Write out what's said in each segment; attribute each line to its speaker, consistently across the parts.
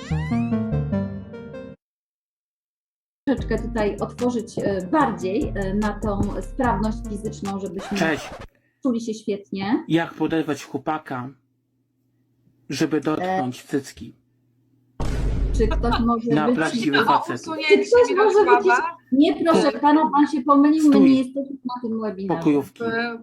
Speaker 1: Troszeczkę tutaj otworzyć bardziej na tą sprawność fizyczną, żebyśmy czuli się świetnie.
Speaker 2: Jak poderwać chłopaka, żeby dotknąć cycki?
Speaker 1: Czy ktoś może
Speaker 2: Na
Speaker 1: być...
Speaker 2: prawdziwy facet.
Speaker 1: Czy ktoś może być... Nie, proszę pana, pan się pomylił, my nie jesteśmy na tym webinarze.
Speaker 2: Pokojówki.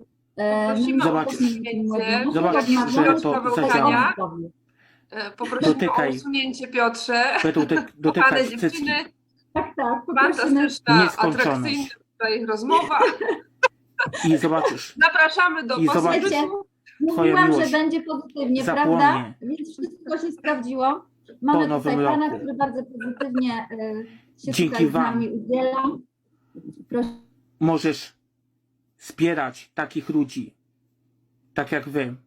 Speaker 2: Zobacz, że to zadziała.
Speaker 3: Poprosimy o usunięcie, Piotrze.
Speaker 2: Dotykać
Speaker 3: Kochane
Speaker 2: cycki.
Speaker 3: dziewczyny,
Speaker 1: Tak,
Speaker 3: fantastyczna,
Speaker 2: Nieskończoność.
Speaker 3: atrakcyjna tutaj ich rozmowa.
Speaker 2: I zobaczysz.
Speaker 3: Zapraszamy do
Speaker 2: I zobacz,
Speaker 1: Mówiłam, że
Speaker 2: miłość
Speaker 1: będzie pozytywnie,
Speaker 2: zapłonie.
Speaker 1: prawda? Więc wszystko się sprawdziło. Mamy
Speaker 2: nowym
Speaker 1: tutaj pana,
Speaker 2: roku.
Speaker 1: który bardzo pozytywnie się
Speaker 2: Dzięki
Speaker 1: tutaj z
Speaker 2: wam.
Speaker 1: nami udziela. Proszę.
Speaker 2: Możesz wspierać takich ludzi, tak jak wy.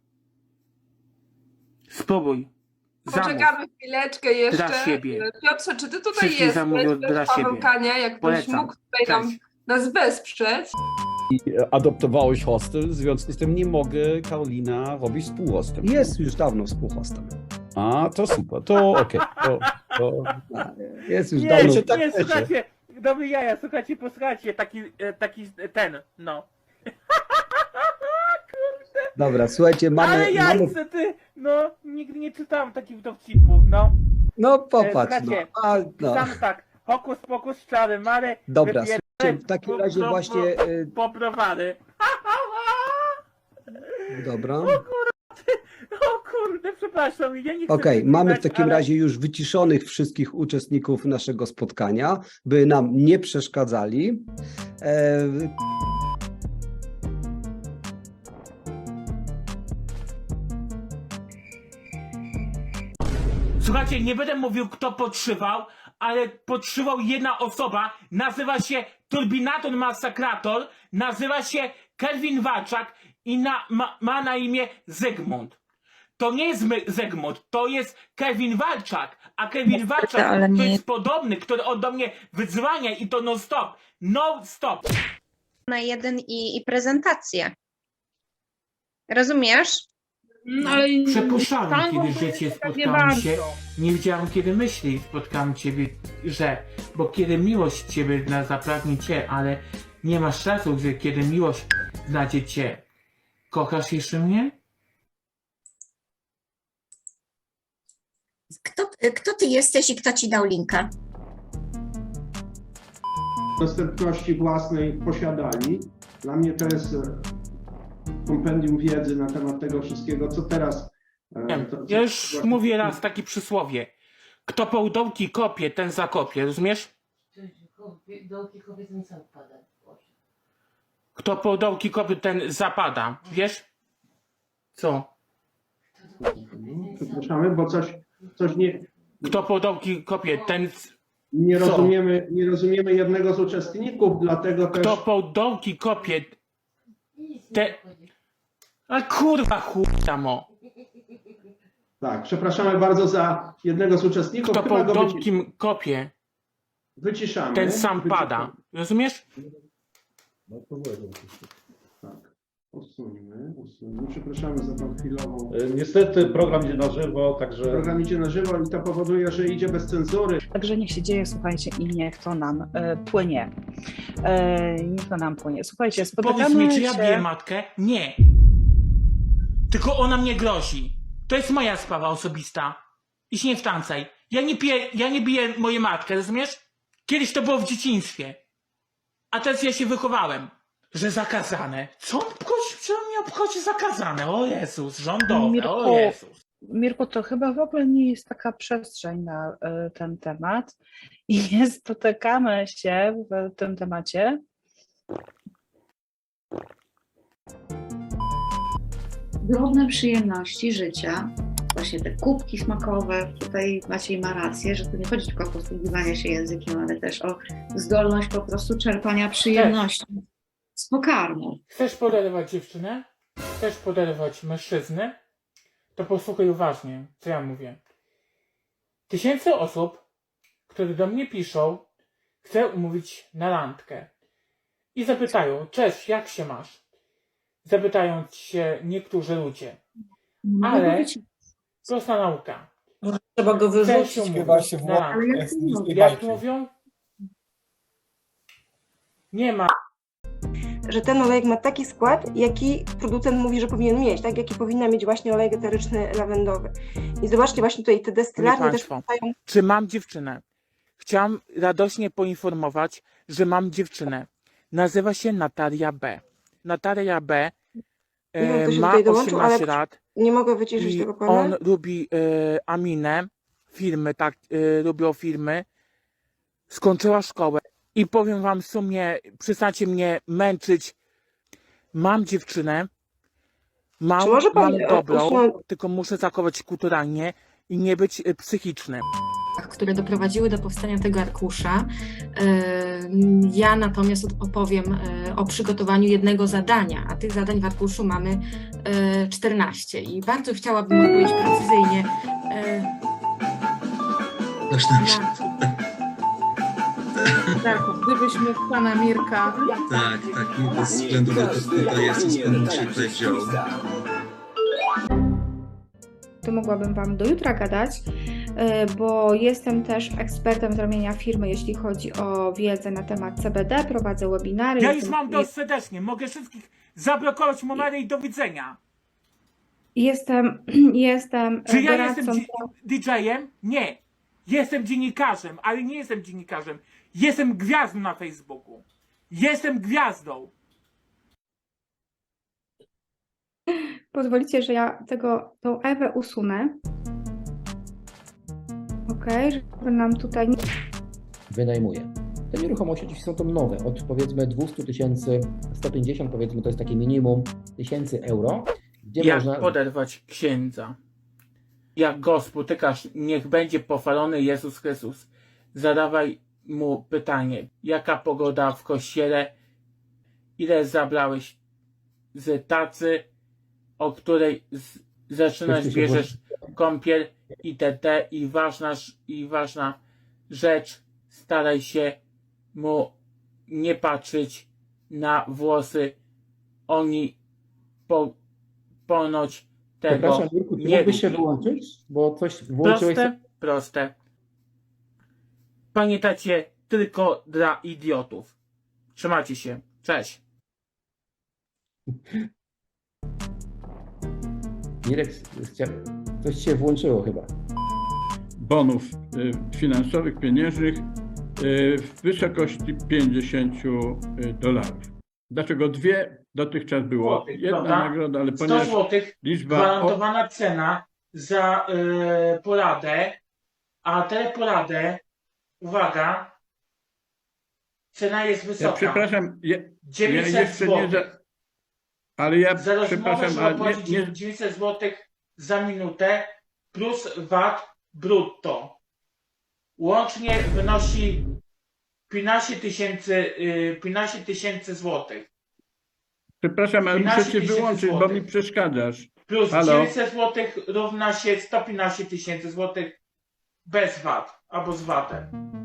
Speaker 2: Spróbuj.
Speaker 3: Poczekamy chwileczkę jeszcze.
Speaker 2: Dla siebie.
Speaker 3: Piotrze, czy ty tutaj
Speaker 2: Wszystkie
Speaker 3: jesteś?
Speaker 2: zamówią
Speaker 3: Bez
Speaker 2: dla
Speaker 3: Paweł
Speaker 2: siebie.
Speaker 3: Kania, jak ktoś
Speaker 2: Polecam.
Speaker 3: mógł tutaj nas wesprzeć.
Speaker 4: Adoptowałeś hostel, w związku z tym nie mogę, Karolina, robić współhostem.
Speaker 5: Jest już dawno współhostem.
Speaker 4: A, to super, to okej. To
Speaker 5: Jest już
Speaker 2: Nie,
Speaker 5: dawno.
Speaker 2: nie, słuchajcie, dobry jaja, słuchajcie, posłuchajcie, taki ten, no.
Speaker 5: Dobra, słuchajcie,
Speaker 2: Ale
Speaker 5: mamy...
Speaker 2: jajce, ty, no, nigdy nie czytałem takich dowcipów, no.
Speaker 5: No popatrz, no.
Speaker 2: Słuchajcie,
Speaker 5: No.
Speaker 2: Sam tak, hokus pokus czarem, ale
Speaker 5: Dobra, słuchajcie, w takim razie właśnie...
Speaker 2: poprowady.
Speaker 5: Dobra.
Speaker 2: O kurde, przepraszam, ja nie chcę...
Speaker 5: Okej, mamy w
Speaker 2: przeklinać,
Speaker 5: takim
Speaker 2: ale-
Speaker 5: razie już wyciszonych wszystkich uczestników naszego spotkania, by nam nie przeszkadzali.
Speaker 2: Słuchajcie, nie będę mówił, kto podszywał, ale podszywał jedna osoba, nazywa się Turbinator Masakrator, nazywa się Kelvin Walczak i ma na imię Zygmunt. To nie jest Zygmunt, to jest Kelvin Walczak, a Kelvin Walczak to jest podobny, który do mnie wydzwania i to non-stop, non-stop.
Speaker 6: Na jeden i prezentację. Rozumiesz?
Speaker 3: No, ale
Speaker 2: Przypuszczałem, kiedy w życiu spotkałem się, nie wiedziałem, kiedy myśli spotkałem ciebie, bo kiedy miłość ciebie zapragnie cię, ale nie masz czasu, że kiedy miłość znajdzie cię. Kochasz jeszcze mnie?
Speaker 7: Kto ty jesteś i kto ci dał linka?
Speaker 8: Dostępności własnej posiadali. Dla mnie to jest kompendium wiedzy na temat tego wszystkiego, co teraz...
Speaker 2: Ja już mówię raz takie przysłowie. Kto po dołki kopie, ten zakopie, rozumiesz?
Speaker 9: Dołki kopie, ten zapada.
Speaker 2: Kto po dołki kopie, ten zapada, wiesz? Co?
Speaker 8: Przepraszamy, bo coś nie...
Speaker 2: Kto po dołki kopie, ten...
Speaker 8: Nie rozumiemy jednego z uczestników, dlatego też...
Speaker 2: Kto po dołki kopie, te... A kurwa chuj tam o.
Speaker 8: Tak, przepraszamy bardzo za jednego z uczestników.
Speaker 2: Kto
Speaker 8: Chyba
Speaker 2: po
Speaker 8: go
Speaker 2: dołki kopie,
Speaker 8: wyciszamy.
Speaker 2: ten sam pada. Rozumiesz?
Speaker 8: Tak. Usuńmy. Przepraszamy za tą chwilową...
Speaker 4: niestety program idzie na żywo, także...
Speaker 8: Program idzie na żywo i to powoduje, że idzie bez cenzury.
Speaker 10: Także niech się dzieje, słuchajcie, i niech to nam płynie. Niech to nam płynie. Słuchajcie, spotykamy
Speaker 2: Powiedz mi, czy ja
Speaker 10: się...
Speaker 2: biję matkę? Nie. Tylko ona mnie grozi. To jest moja sprawa osobista. I się nie wtrącaj. Ja nie biję mojej matkę, rozumiesz? Kiedyś to było w dzieciństwie. A teraz ja się wychowałem. Że zakazane. Co on mnie obchodzi zakazane? O Jezus, rządowe, o Jezus.
Speaker 10: Mirku, to chyba w ogóle nie jest taka przestrzeń na ten temat i nie spotykamy się w tym temacie.
Speaker 9: Drobne przyjemności życia, właśnie te kubki smakowe, tutaj Maciej ma rację, że tu nie chodzi tylko o posługiwanie się językiem, ale też o zdolność po prostu czerpania przyjemności z pokarmu.
Speaker 2: Chcesz poderwać dziewczynę? Chcesz poderwać mężczyznę? To posłuchaj uważnie, co ja mówię. Tysięcy osób, które do mnie piszą, chcę umówić na randkę. I zapytają, cześć, jak się masz? Zapytają się niektórzy ludzie. Ale prosta nauka.
Speaker 11: Trzeba go wyrzucić
Speaker 2: Też
Speaker 11: chyba.
Speaker 2: się włączy.
Speaker 9: Ale jak to mówię?
Speaker 2: Jak mówią? Nie ma.
Speaker 12: Że ten olejek ma taki skład, jaki producent mówi, że powinien mieć, tak? Jaki powinna mieć właśnie olejek eteryczny lawendowy. I zobaczcie właśnie tutaj te destylarnie też powstają.
Speaker 2: Czy mam dziewczynę? Chciałam radośnie poinformować, że mam dziewczynę. Nazywa się Natalia B. Natalia B.
Speaker 12: Nie wiem, kto się
Speaker 2: Ma
Speaker 12: tutaj dołączył,
Speaker 2: 18
Speaker 12: ale
Speaker 2: lat.
Speaker 12: nie mogę wyciszyć
Speaker 2: I
Speaker 12: tego pana.
Speaker 2: on lubi Aminę, firmy, tak, lubią firmy. Skończyła szkołę i powiem wam w sumie, przestańcie mnie męczyć. Mam dziewczynę, mam,
Speaker 12: Czy może pan,
Speaker 2: mam dobrą,
Speaker 12: usunąć-
Speaker 2: tylko muszę zachować kulturalnie i nie być psychiczny.
Speaker 11: które doprowadziły do powstania tego arkusza. Ja natomiast opowiem o przygotowaniu jednego zadania, a tych zadań w arkuszu mamy 14 i bardzo chciałabym odpowiedzieć precyzyjnie.
Speaker 9: Tak, gdybyśmy pana Mirka.
Speaker 13: Tak, bez względu na to, kto to jest i skąd się tutaj wziął.
Speaker 14: To mogłabym Wam do jutra gadać, bo jestem też ekspertem z ramienia firmy, jeśli chodzi o wiedzę na temat CBD, prowadzę webinary.
Speaker 2: Ja już mam dość serdecznie, mogę wszystkich zablokować numery i do widzenia.
Speaker 14: Jestem
Speaker 2: Czy ja
Speaker 14: doradcą.
Speaker 2: jestem DJ-em? Nie. Jestem dziennikarzem, ale nie jestem dziennikarzem. Jestem gwiazdą na Facebooku. Jestem gwiazdą.
Speaker 14: Pozwolicie, że ja tą Ewę usunę. Okej, żeby nam tutaj...
Speaker 15: Wynajmuję. Te nieruchomości oczywiście są to nowe, od powiedzmy 200 000, 150 powiedzmy, to jest takie minimum 1000 euro, gdzie
Speaker 2: Jak
Speaker 15: można...
Speaker 2: poderwać księdza? Jak go spotykasz, niech będzie pochwalony Jezus Chrystus. Zadawaj mu pytanie, jaka pogoda w kościele, ile zabrałeś z tacy, o której zaczynasz, bierzesz kąpiel itd. I ważna rzecz, staraj się mu nie patrzeć na włosy. Oni ponoć tego
Speaker 15: Przepraszam, Jurku, czy
Speaker 2: nie
Speaker 15: mógłbyś się
Speaker 2: lubi.
Speaker 15: wyłączyć? Bo coś włączyłeś...
Speaker 2: Proste. Pamiętajcie, tylko dla idiotów. Trzymajcie się. Cześć.
Speaker 15: Mirek, coś się włączyło chyba.
Speaker 16: Bonów finansowych, pieniężnych w wysokości $50. Dlaczego dwie dotychczas było? Jedna
Speaker 2: prawda?
Speaker 16: nagroda, ale
Speaker 2: 100
Speaker 16: ponieważ
Speaker 2: zł
Speaker 16: liczba...
Speaker 2: gwarantowana cena za poradę, a tę poradę, uwaga, cena jest
Speaker 16: Ja
Speaker 2: wysoka.
Speaker 16: przepraszam, ja
Speaker 2: 900
Speaker 16: jeszcze
Speaker 2: zł.
Speaker 16: nie... Ale ja
Speaker 2: Za rozmowę
Speaker 16: przepraszam,
Speaker 2: trzeba
Speaker 16: ale
Speaker 2: płacić
Speaker 16: nie...
Speaker 2: 900 zł za minutę plus VAT brutto. Łącznie wynosi 15 tysięcy złotych.
Speaker 16: Przepraszam, ale muszę
Speaker 2: 15
Speaker 16: cię
Speaker 2: 000
Speaker 16: wyłączyć, bo
Speaker 2: złotych.
Speaker 16: mi przeszkadzasz.
Speaker 2: Plus
Speaker 16: Halo?
Speaker 2: 900 zł równa się 115 tysięcy złotych bez VAT albo z VAT-em.